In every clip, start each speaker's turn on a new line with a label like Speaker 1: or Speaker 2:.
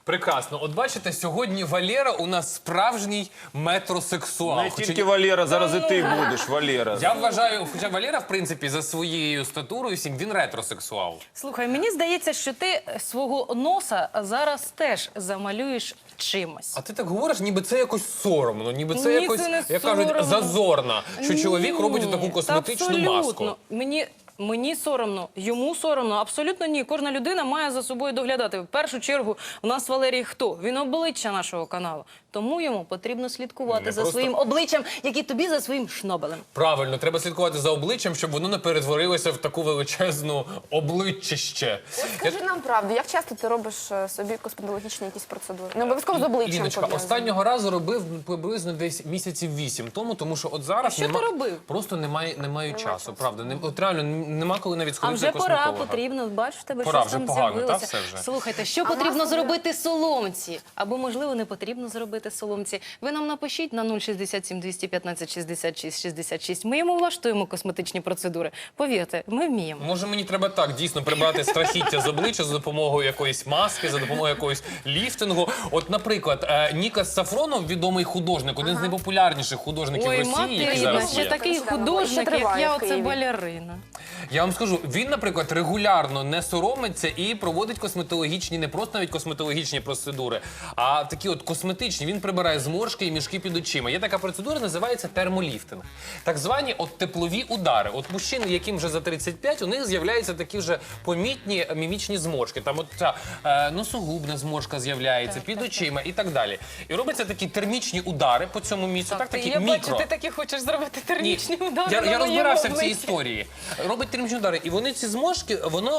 Speaker 1: Прекрасно. От бачите, сьогодні Валера у нас справжній метросексуал.
Speaker 2: Не тільки Валера, зараз і ти будеш, Валера.
Speaker 1: Я вважаю, хоча Валера, в принципі, за своєю статурою всім, він ретросексуал.
Speaker 3: Слухай, мені здається, що ти свого носа зараз теж замалюєш чимось.
Speaker 1: А ти так говориш, ніби це якось соромно, ніби це
Speaker 3: Ні,
Speaker 1: якось,
Speaker 3: це не
Speaker 1: як кажуть,
Speaker 3: соромно.
Speaker 1: зазорно, що чоловік робить таку
Speaker 3: Ні,
Speaker 1: косметичну
Speaker 3: та
Speaker 1: маску.
Speaker 3: абсолютно. Мені соромно, йому соромно, абсолютно ні. Кожна людина має за собою доглядати. В першу чергу у нас Валерій хто? Він обличчя нашого каналу. Тому йому потрібно слідкувати за своїм обличчям, як і тобі за своїм шнобелем.
Speaker 1: Правильно, треба слідкувати за обличчям, щоб воно не перетворилося в таку величезну обличчище.
Speaker 4: От скажи нам правду, як часто ти робиш собі косметологічні якісь процедури? Не обов'язково з обличчям
Speaker 1: Ліночка,
Speaker 4: пов'язані.
Speaker 1: останнього разу робив приблизно десь місяців 8 тому, тому що от зараз
Speaker 3: Що ти робив?
Speaker 1: просто немає часу, правда. От реально нема коли навіть
Speaker 3: А
Speaker 1: сходити
Speaker 3: вже
Speaker 1: до
Speaker 3: пора,
Speaker 1: косметолога.
Speaker 3: потрібно, бачиш, в тебе
Speaker 1: Пора,
Speaker 3: щось
Speaker 1: вже
Speaker 3: там
Speaker 1: погано,
Speaker 3: з'явилося.
Speaker 1: та, все вже.
Speaker 3: Слухайте, що потрібно зробити соломці? Або, можливо, не потрібно зробити соломці. Ви нам напишіть на 067 215 66 66. Ми йому влаштуємо косметичні процедури. Повірте, ми вміємо.
Speaker 1: Може, мені треба так, дійсно, прибрати страхіття з обличчя за допомогою якоїсь маски, за допомогою якогось ліфтингу. От, наприклад, Нікас Сафронов, відомий художник, один з найпопулярніших художників
Speaker 3: Ой,
Speaker 1: Росії, який
Speaker 3: материна,
Speaker 1: зараз
Speaker 3: ще
Speaker 1: є.
Speaker 3: такий
Speaker 4: Ще
Speaker 3: художник, як
Speaker 4: триває
Speaker 3: я,
Speaker 4: в
Speaker 3: оце
Speaker 4: Києві.
Speaker 3: балерина.
Speaker 1: Я вам скажу, він, наприклад, регулярно не соромиться і проводить косметологічні, не просто навіть косметологічні процедури, а такі от косметичні. Він прибирає зморшки і мішки під очима. Є така процедура, називається термоліфтинг. Так звані от теплові удари. От мужчин, яким вже за 35, у них з'являються такі вже помітні мімічні зморшки. Там от ця носогубна зморшка з'являється під очима і так далі. І робляться такі термічні удари по цьому місцю, такі
Speaker 3: я
Speaker 1: мікро.
Speaker 3: бачу, ти таки хочеш зробити термічні удари
Speaker 1: Я
Speaker 3: на моєму
Speaker 1: розбирався в цій
Speaker 3: обличчі.
Speaker 1: історії. Робить термічні удари. І вони ці зморшки,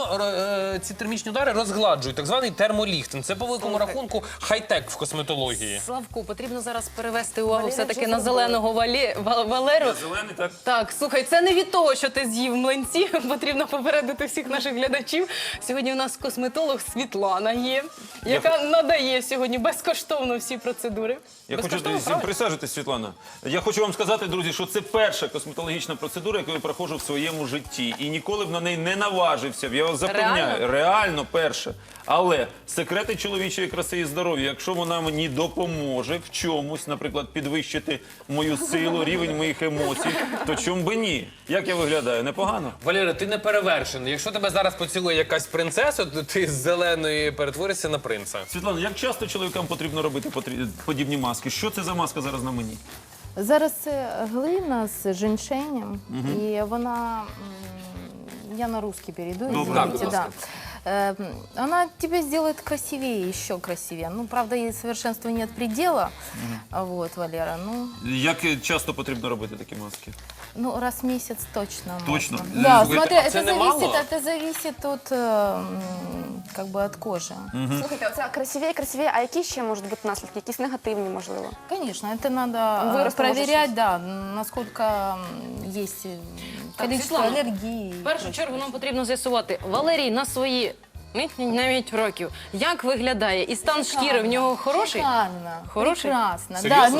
Speaker 1: ці термічні удари розгладжують. Так званий термоліфтинг. Це по великому рахунку хай-тек в косметології.
Speaker 3: Славку, потрібно зараз перевести увагу
Speaker 4: Валера
Speaker 3: все-таки
Speaker 4: вже
Speaker 3: на
Speaker 4: зробила.
Speaker 3: зеленого Валеру.
Speaker 2: Зелений, так?
Speaker 3: Так, слухай, це не від того, що ти з'їв млинці. Потрібно попередити всіх наших глядачів. Сьогодні у нас косметолог Світлана є, яка надає сьогодні безкоштовно всі процедури.
Speaker 2: Я хочу
Speaker 3: Безкоштовно,
Speaker 2: всім
Speaker 3: правильно?
Speaker 2: присаджуйтесь, Світлана. Я хочу вам сказати, друзі, що це перша косметологічна процедура, яку я проходжу в своєму житті. І ніколи б на неї не наважився. Я вас запевняю, реально перше. Але секрети чоловічої краси і здоров'я, якщо вона мені допоможе в чомусь, наприклад, підвищити мою силу, рівень моїх емоцій, то чому би ні? Як я виглядаю? Непогано?
Speaker 1: Валера, ти не перевершений. Якщо тебе зараз поцілує якась принцеса, то ти з зеленої перетворишся на принца.
Speaker 2: Світлана, як часто чоловікам потрібно робити подібні маски? Що це за маска зараз на мені?
Speaker 5: Зараз це глина з женьшенем, і вона, я на русский перейду, извините, да. Она тебя сделает красивее, еще красивее. Ну, правда, ей совершенству нет предела, вот, Валера, ну,
Speaker 2: Як часто потрібно робити такі маски?
Speaker 5: ну, раз в месяц точно.
Speaker 2: Точно?
Speaker 5: Можно. Да,
Speaker 1: Слушайте,
Speaker 5: смотри,
Speaker 1: а це немало?
Speaker 5: это зависит от, как бы, от кожи.
Speaker 4: Слухайте, оце красивіє, а які ще можуть бути наслідки? Якісь негативні, можливо?
Speaker 5: Конечно, это надо
Speaker 4: Вырос,
Speaker 5: проверять, да, насколько есть количество
Speaker 3: Светлана,
Speaker 5: аллергии.
Speaker 3: В першу чергу нам потрібно з'ясувати, Валерій на свої навіть років, як виглядає? І стан шкіри в нього хороший?
Speaker 5: Шикарно,
Speaker 3: Хороший?
Speaker 5: прекрасно.
Speaker 1: Серьезно?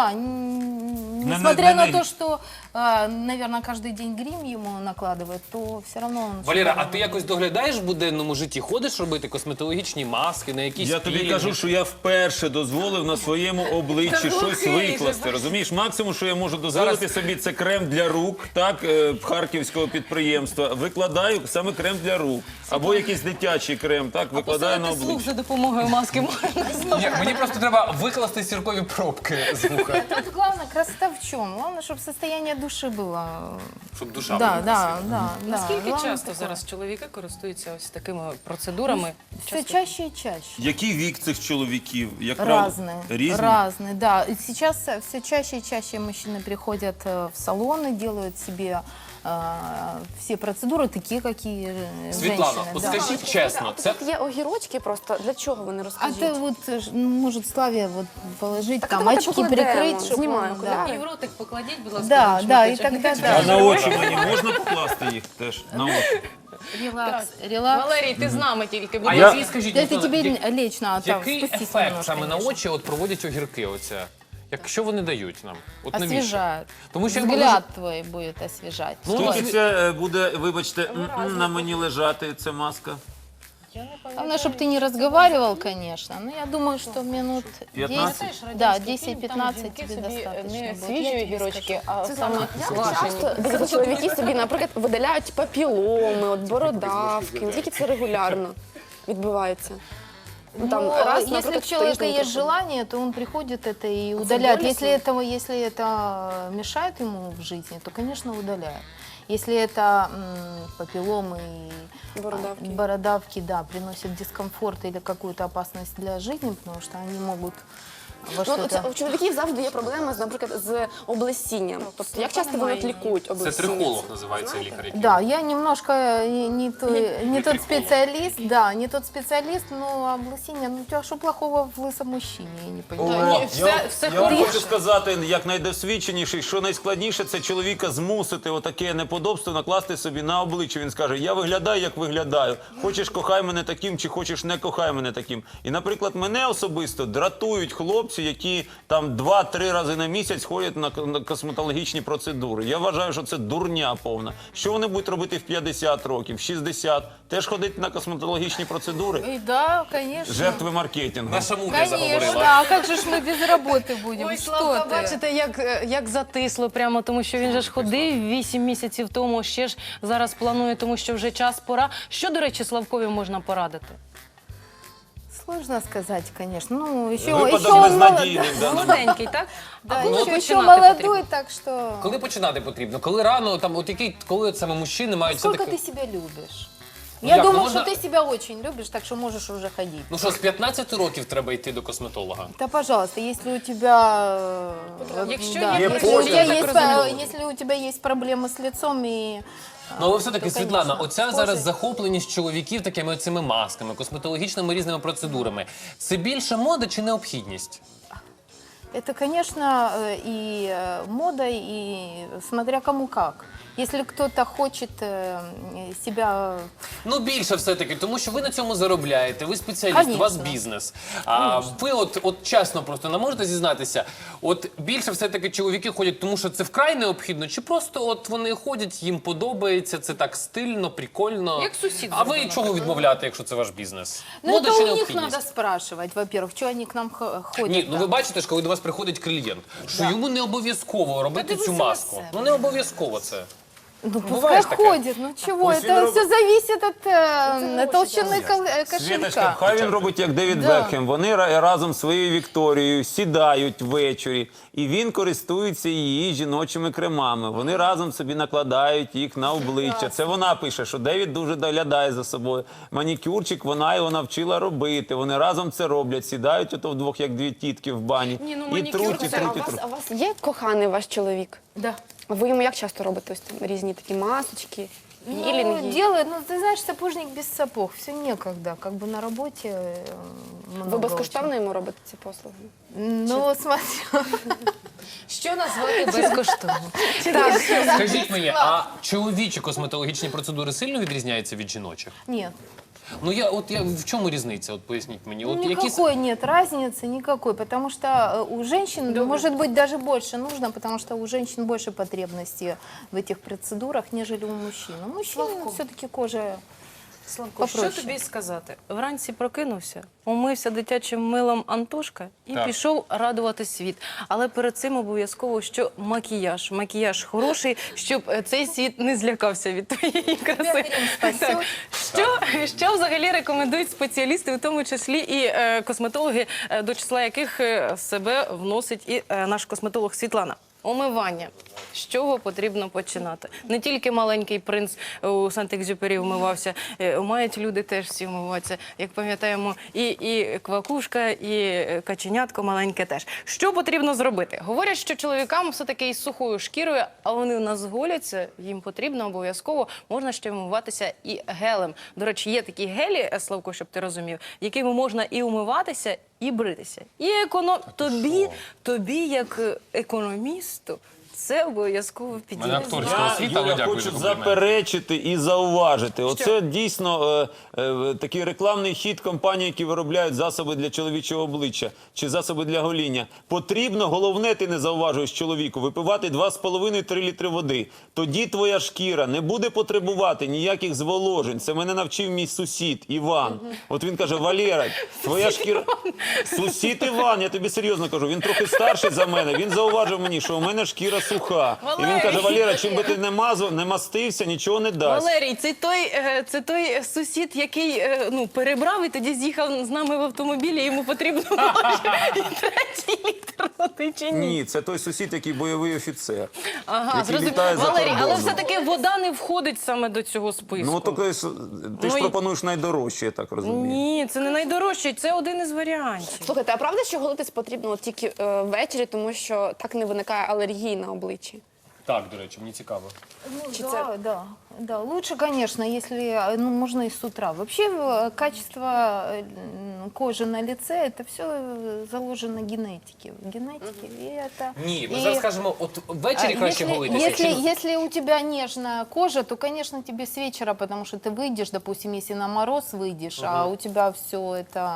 Speaker 5: Несмотря на
Speaker 2: не-
Speaker 5: то, что, наверное, каждый день грим ему накладывают, то все равно он...
Speaker 1: Валера, а
Speaker 5: шикарно
Speaker 1: ти якось доглядаєш в буденному житті? Ходиш робити косметологічні маски, на якісь
Speaker 2: Я тобі
Speaker 1: пілінги?
Speaker 2: кажу, що я вперше дозволив на своєму обличчі щось викласти. Розумієш, максимум, що я можу дозволити собі, це крем для рук, так, харківського підприємства. Викладаю саме крем для рук. Або якийсь дитячий крем, так, викладаю на
Speaker 3: Посилити слух
Speaker 2: обличчя.
Speaker 3: за допомогою маски можна.
Speaker 1: Ні, мені просто треба викласти сіркові пробки з вуха,
Speaker 5: Тут главное, красота в чем? Главное, чтобы состояние души было.
Speaker 1: щоб душа
Speaker 5: Да,
Speaker 1: була
Speaker 5: да,
Speaker 1: красива.
Speaker 5: да.
Speaker 3: Наскільки
Speaker 5: Главное
Speaker 3: часто
Speaker 5: такое.
Speaker 3: зараз чоловіки користуються ось такими процедурами?
Speaker 5: Все чаще и чаще.
Speaker 2: Який вік цих чоловіків? Як правило?
Speaker 5: Разные.
Speaker 2: Різні?
Speaker 5: Разные, да. И сейчас все чаще и чаще мужчины приходят в салоны, делают себе все процедуры, такие, какие
Speaker 1: Світлана,
Speaker 5: женщины.
Speaker 1: от
Speaker 5: да.
Speaker 1: скажіть чесно, це
Speaker 4: Тут є огірочки просто. Для чого вони
Speaker 5: А
Speaker 4: розкажіть?
Speaker 5: ты вот может Славе вот положить,
Speaker 4: Так
Speaker 5: там
Speaker 4: давайте
Speaker 5: очки
Speaker 4: покладемо.
Speaker 5: прикрыть, чтобы
Speaker 4: Знімаю
Speaker 5: он,
Speaker 4: окуляри.
Speaker 3: І в ротик покладіть, будь ласка.
Speaker 5: Да,
Speaker 3: один
Speaker 5: да, и
Speaker 3: шматочок.
Speaker 5: тогда
Speaker 3: Не
Speaker 2: А
Speaker 5: да.
Speaker 2: на очі мені можна покласти їх теж? На очі?
Speaker 5: Релакс, релакс.
Speaker 3: Валерій, ти з нами тільки. Будь
Speaker 1: А
Speaker 3: ласка.
Speaker 1: який, скажіть,
Speaker 5: Это
Speaker 1: Руслана,
Speaker 5: тебе лечь надо, там,
Speaker 1: який
Speaker 5: спустись
Speaker 1: ефект
Speaker 5: немножко,
Speaker 1: саме на
Speaker 5: конечно.
Speaker 1: очі от проводять огірки оце? Якщо вони дають нам? От навіщо?
Speaker 5: Освежают.
Speaker 1: Тому що
Speaker 5: Взгляд твой будет освежать.
Speaker 1: Ну,
Speaker 2: Скільки це буде, вибачте, на мені лежати, ця маска?
Speaker 5: Главное, чтобы ты не разговаривал, конечно. Но я думаю, что минут
Speaker 2: 15?
Speaker 5: 10, да, 10-15 тебе достаточно
Speaker 3: не
Speaker 5: будет.
Speaker 3: свіжі
Speaker 5: Я тебе
Speaker 3: огірочки,
Speaker 5: скажу.
Speaker 3: а саме
Speaker 4: Як
Speaker 3: квашені.
Speaker 4: часто дивіться, чоловіки собі, наприклад, видаляють папіломи, от бородавки, наскільки це регулярно відбувається? Ну, там,
Speaker 5: Ну,
Speaker 4: раз,
Speaker 5: если
Speaker 4: наприклад,
Speaker 5: у человека
Speaker 4: тиждень
Speaker 5: есть
Speaker 4: приходить.
Speaker 5: желание, то он приходит это и удаляет.
Speaker 4: болезненно?
Speaker 5: Если это мешает ему в жизни, то, конечно, удаляет. Если это папилломы и бородавки, да, приносят дискомфорт или какую-то опасность для жизни, потому что они могут во
Speaker 4: Ну,
Speaker 5: что-то...
Speaker 4: у чоловіків завжди є проблема, наприклад, з облесінням. Тобто, як часто вони от лікують
Speaker 1: Це
Speaker 4: облесіння?
Speaker 1: трихолог називається лікар. який.
Speaker 5: Да, я немножко не тот специалист, да, не тот специалист, но облысение, ну, у тебя что плохого в лысом мужчине, я не понимаю.
Speaker 2: О, я вам хочу сказати, як найдосвідченіший, що найскладніше, це чоловіка змусити отаке неподобство накласти собі на обличчя. Він скаже, я виглядаю, як виглядаю. Хочеш, кохай мене таким, чи хочеш, не кохай мене таким. І, наприклад, мене особисто дратують хлопці, які там 2-3 рази на місяць ходять на косметологічні процедури. Я вважаю, що це дурня повна. Що вони будуть робити в 50 років, в 60? Теж ходити на косметологічні процедури?
Speaker 5: И да, конечно.
Speaker 2: Жертви маркетингу.
Speaker 1: Наша мудря
Speaker 5: Конечно,
Speaker 1: заговорила.
Speaker 5: да, а как же ж мы без работы будем?
Speaker 3: Ой,
Speaker 5: Что
Speaker 3: Славка,
Speaker 5: ты?
Speaker 3: бачите, як затисло прямо, тому що він же ж ходив 8 місяців тому, ще ж зараз планує, тому що вже час, пора. Що, до речі, Славкові можна порадити?
Speaker 5: Сложно сказать, конечно. Ну, еще,
Speaker 2: Випадок
Speaker 5: он
Speaker 2: безнадійний в
Speaker 5: молодой.
Speaker 2: даному.
Speaker 3: Молоденький, так?
Speaker 5: Да,
Speaker 3: А коли
Speaker 5: еще
Speaker 3: починати
Speaker 5: молодой,
Speaker 3: потрібно?
Speaker 5: так что...
Speaker 1: Коли починати потрібно? Коли рано, там, от який, коли от саме мужчини мають
Speaker 5: Сколько
Speaker 1: все-таки...
Speaker 5: ты себя любишь?
Speaker 1: Ну,
Speaker 5: Я
Speaker 1: як,
Speaker 5: думаю,
Speaker 1: можна-
Speaker 5: что ты себя очень любишь, так что можешь уже ходить.
Speaker 1: Ну що, з 15 років треба йти до косметолога?
Speaker 5: Да, пожалуйста, если у тебя,
Speaker 3: Якщо
Speaker 5: да,
Speaker 3: є
Speaker 5: если, у
Speaker 2: почерк,
Speaker 5: тебя
Speaker 3: так
Speaker 5: есть,
Speaker 3: розумію.
Speaker 5: если у тебя есть проблемы с лицом и
Speaker 1: Ну, але все-таки,
Speaker 5: то,
Speaker 1: Світлана,
Speaker 5: конечно,
Speaker 1: оця
Speaker 5: кожен-
Speaker 1: зараз захопленість чоловіків такими цими масками, косметологічними різними процедурами. Це більше мода чи необхідність?
Speaker 5: это, конечно, и мода, и смотря кому как. Если кто-то хочет себя...
Speaker 1: Ну, більше все-таки, тому що ви на цьому заробляєте, ви спеціаліст, у вас
Speaker 5: Конечно.
Speaker 1: бізнес. А ви от чесно просто не можете зізнатися, от більше все-таки чоловіки ходять, тому що це вкрай необхідно, чи просто от вони ходять, їм подобається, це так стильно, прикольно.
Speaker 3: Як сусід
Speaker 1: А ви
Speaker 3: зробив,
Speaker 1: чого відмовляти, якщо це ваш бізнес?
Speaker 5: Ну,
Speaker 1: Мода
Speaker 5: это
Speaker 1: чи
Speaker 5: у них
Speaker 1: необхідність?
Speaker 5: надо спрашивать, во-первых, что они к нам ходят.
Speaker 1: Ні, ну
Speaker 5: да.
Speaker 1: ви бачите ж, коли до вас приходить клієнт, що йому не обов'язково робити
Speaker 3: дивися
Speaker 1: цю
Speaker 3: на
Speaker 1: маску.
Speaker 3: себе.
Speaker 1: Ну не обов'язково це.
Speaker 5: Ну,
Speaker 1: Бывает
Speaker 5: пускай
Speaker 1: такое?
Speaker 5: ходит, ну чего,
Speaker 2: Пусть
Speaker 5: это
Speaker 2: он
Speaker 5: все зависит от толщины
Speaker 2: Світочка,
Speaker 5: кошелька.
Speaker 2: хай він робить як Девід
Speaker 5: Да.
Speaker 2: Бекхем. Вони разом з своєю Вікторією сідають ввечері, і він користується її жіночими кремами. Вони разом собі накладають їх на обличчя. Це вона пише, що Девід дуже доглядає за собою. Манікюрчик вона його навчила робити. Вони разом це роблять, сідають ото вдвох, як дві тітки в бані.
Speaker 3: Ні, ну,
Speaker 2: І
Speaker 3: манікюр
Speaker 2: труть, і
Speaker 3: це-
Speaker 2: труть, і
Speaker 4: А
Speaker 2: труть.
Speaker 4: у вас є коханий ваш чоловік?
Speaker 5: Да.
Speaker 4: Ви йому як часто робите ось там різні такі масочки,
Speaker 5: Ну,
Speaker 4: пілінги?
Speaker 5: делает, ну ты знаешь, сапожник без сапог, все некогда, как бы на работе много
Speaker 4: Ви безкоштовно йому робите ці послуги?
Speaker 5: очень. Ну, смотри.
Speaker 3: Що назвати безкоштовно?
Speaker 1: Скажіть мені, а чоловічі косметологічні процедури сильно відрізняються від жіночих?
Speaker 5: Нет.
Speaker 1: Ну я в чому різниця? От поясніть мені. От
Speaker 5: Никакой нет разницы, никакой, потому что у женщин, может быть, даже больше нужно, потому что у женщин больше потребностей в этих процедурах, нежели у мужчин. У мужчин все-таки кожа
Speaker 3: Славко, що
Speaker 5: попроще.
Speaker 3: тобі сказати? Вранці прокинувся, умився дитячим милом Антошка і
Speaker 1: Так.
Speaker 3: пішов радувати світ. Але перед цим обов'язково, що макіяж. Макіяж хороший, щоб цей світ не злякався від твоєї краси. Так. Що взагалі рекомендують спеціалісти, в тому числі і косметологи, до числа яких себе вносить і наш косметолог Світлана? Умивання. З чого потрібно починати? Не тільки маленький принц у Сент-Екзюпері вмивався, мають люди теж всі вмиватися. Як пам'ятаємо, і квакушка, і каченятко маленьке теж. Що потрібно зробити? Говорять, що чоловікам все-таки із сухою шкірою, а вони у нас голяться, їм потрібно обов'язково, можна ще вмиватися і гелем. До речі, є такі гелі, Славко, щоб ти розумів, якими можна і умиватися, і бритися. І тобі, як економісту, це обов'язково
Speaker 1: Мене
Speaker 3: підійде.
Speaker 1: акторська освіта, але
Speaker 2: Юля,
Speaker 1: дякую
Speaker 2: хочу
Speaker 1: за комплімент.
Speaker 2: заперечити і зауважити. Оце дійсно такий рекламний хід компаній, які виробляють засоби для чоловічого обличчя чи засоби для гоління. Потрібно, головне, ти не зауважуєш чоловіку, випивати 2,5-3 літри води. Тоді твоя шкіра не буде потребувати ніяких зволожень. Це мене навчив мій сусід Іван. От він каже: Валера, твоя шкіра... Сусід Іван, я тобі серйозно кажу, він трохи старший за мене. Він зауважив мені, що у мене шкіра суха. І він каже: Валера, чим би ти не мазав, не мастився, нічого не дасть.
Speaker 3: Валерій, це той сусід, який перебрав і тоді з'їхав з нами в автомобілі, і йому потрібно було ще і третій літр води, чи ні?
Speaker 2: Ні, це той сусід, який бойовий офіцер.
Speaker 3: Ага,
Speaker 2: який
Speaker 3: зрозуміло.
Speaker 2: літає за
Speaker 3: Валерій, але
Speaker 2: кордоном.
Speaker 3: все-таки вода не входить саме до цього списку.
Speaker 2: Ну, то, ти ж
Speaker 3: і-
Speaker 2: пропонуєш найдорожче, я так розумію.
Speaker 3: Ні, це не найдорожче, це один із варіантів.
Speaker 4: Слухайте, а правда, що голитись потрібно от тільки ввечері, тому що так не виникає алергії на обличчі?
Speaker 1: Так, до речі, мені цікаво.
Speaker 5: Ну, да. Лучше, конечно, если можно и с утра. Вообще качество кожи на лице, это все заложено генетике. И это...
Speaker 1: Ні, ми зараз кажемо, от ввечері краще голитися.
Speaker 5: Если у тебя нежная кожа, то, конечно, тебе с вечера, потому что ты выйдешь, допустим, если на мороз выйдешь, а у тебя все это...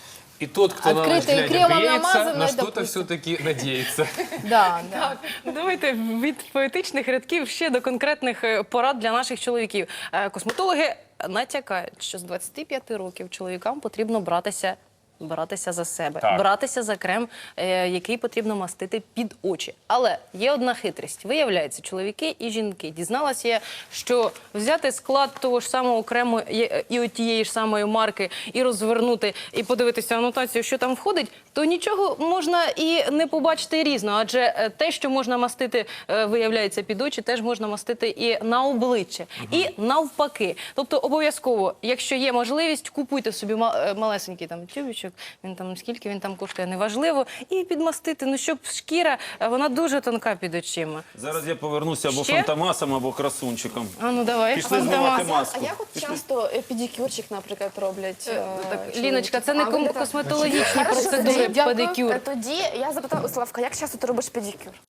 Speaker 1: І тот, хто на наш
Speaker 5: Откритий
Speaker 1: глядя
Speaker 5: кремом
Speaker 1: б'ється,
Speaker 5: намазаний,
Speaker 1: на що-то
Speaker 5: допустим.
Speaker 1: все-таки надіється.
Speaker 5: Да.
Speaker 3: Давайте від поетичних рядків ще до конкретних порад для наших чоловіків. Косметологи натякають, що з 25 років чоловікам потрібно братися за себе,
Speaker 1: Так.
Speaker 3: братися за крем, який потрібно мастити під очі. Але є одна хитрість. Виявляється, чоловіки і жінки. Дізналася я, що взяти склад того ж самого крему і от тієї ж самої марки, і розвернути, і подивитися анотацію, що там входить, то нічого можна і не побачити різно. Адже те, що можна мастити, виявляється, під очі, теж можна мастити і на обличчя. І навпаки. Тобто обов'язково, якщо є можливість, купуйте собі малесенький там тюбічок, він там скільки він там коштує, неважливо, і підмастити, ну щоб шкіра, вона дуже тонка під очима.
Speaker 2: Зараз я повернуся або
Speaker 3: Ще?
Speaker 2: фантомасом, або красунчиком.
Speaker 3: А ну давай,
Speaker 2: Пішли
Speaker 3: Фантомас.
Speaker 2: знімати маску.
Speaker 4: А як от часто педикюрчик, наприклад, роблять?
Speaker 3: Ліночка, це не
Speaker 4: А, ви для-
Speaker 3: косметологічні
Speaker 4: Хорошо,
Speaker 3: процедури,
Speaker 4: тоді-
Speaker 3: педикюр.
Speaker 4: Тоді я запитала у Славка, як часто ти робиш педикюр?